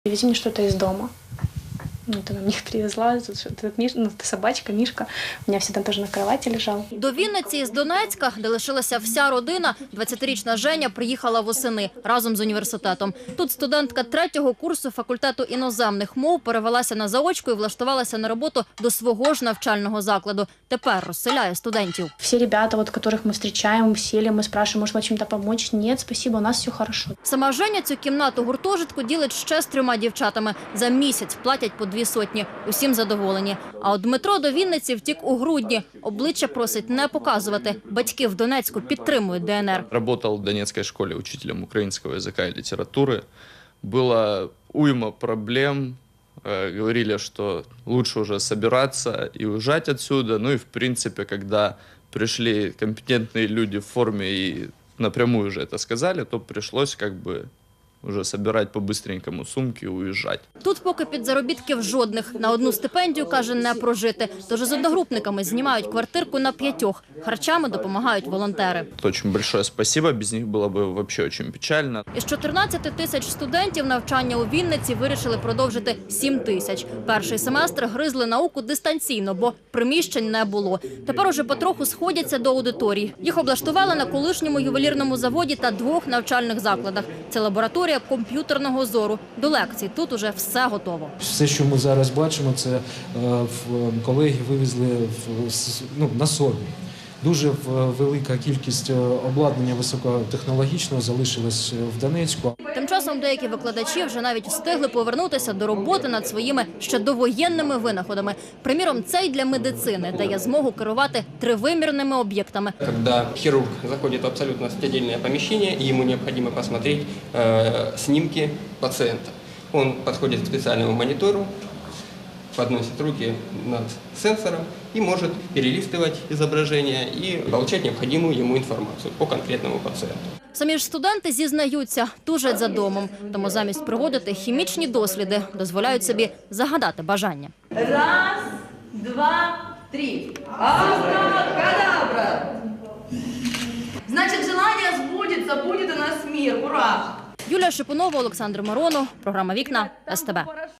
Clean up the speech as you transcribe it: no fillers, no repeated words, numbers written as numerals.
Привези мне что-то из дома. Вот она мне их привезла, собачка, Мишка. У меня всегда тоже на кровати лежал. До Вінниці із Донецька, де лишилася вся родина, 20-річна Женя приїхала восени разом з університетом. Тут студентка 3-го курсу факультету іноземних мов перевелася на заочку і влаштувалася на роботу до свого ж навчального закладу. Тепер розселяє студентів. Все ребята, которых мы встречаем, сели, мы спрашиваем, может, вам чем-то помочь? Нет, спасибо, у нас все хорошо. Сама Женя цю кімнату гуртожитку ділить ще з 3 дівчатами. За місяць платять по 200. Усім задоволені. А от Дмитро до Вінниці втік у грудні. Обличчя просить не показувати. Батьки в Донецьку підтримують ДНР. Работал в Донецкой школе учителем украинского языка и литературы. Было уйма проблем. Говорили, что лучше уже собираться и уезжать отсюда. Ну и в принципе, когда пришли компетентные люди в форме и напрямую уже это сказали, то пришлось уже собирать по-быстренькому сумки и уезжать. Тут поки підзаробітків жодних. На одну стипендію, каже, не прожити. Тож з одногрупниками знімають квартирку на 5. Харчами допомагають волонтери. Очень большое спасибо, без них было бы вообще очень печально. Із 14 тисяч студентів навчання у Вінниці вирішили продовжити 7 тисяч. Перший семестр гризли науку дистанційно, бо приміщень не було. Тепер уже потроху сходяться до аудиторій. Їх облаштували на колишньому ювелірному заводі та 2 навчальних закладах. Це лабораторія комп'ютерного зору. До лекцій тут уже все готово. Все, що ми зараз бачимо, це колеги вивезли на собі. Дуже велика кількість обладнання високотехнологічного залишилась в Донецьку. Тим часом деякі викладачі вже навіть встигли повернутися до роботи над своїми ще довоєнними винаходами. Приміром, цей для медицини дає змогу керувати 3-вимірними об'єктами. Коли хірург заходить в абсолютно стабільне поміщення, і йому необхідно посмотрети знімки пацієнта. Він підходить к спеціальному монітору, подносит руки над сенсором и может перелистывать изображение и получать необходимую ему информацию по конкретному пациенту. Самі ж студенти зізнаються, тужать за домом. Тому замість проводити хімічні досліди, дозволяють собі загадати бажання. 1, 2, 3. Абракадабра! Значит, желание сбудется, будет у нас мир. Ура! Юлія Шипунова, Олександр Миронов. Програма «Вікна» СТБ.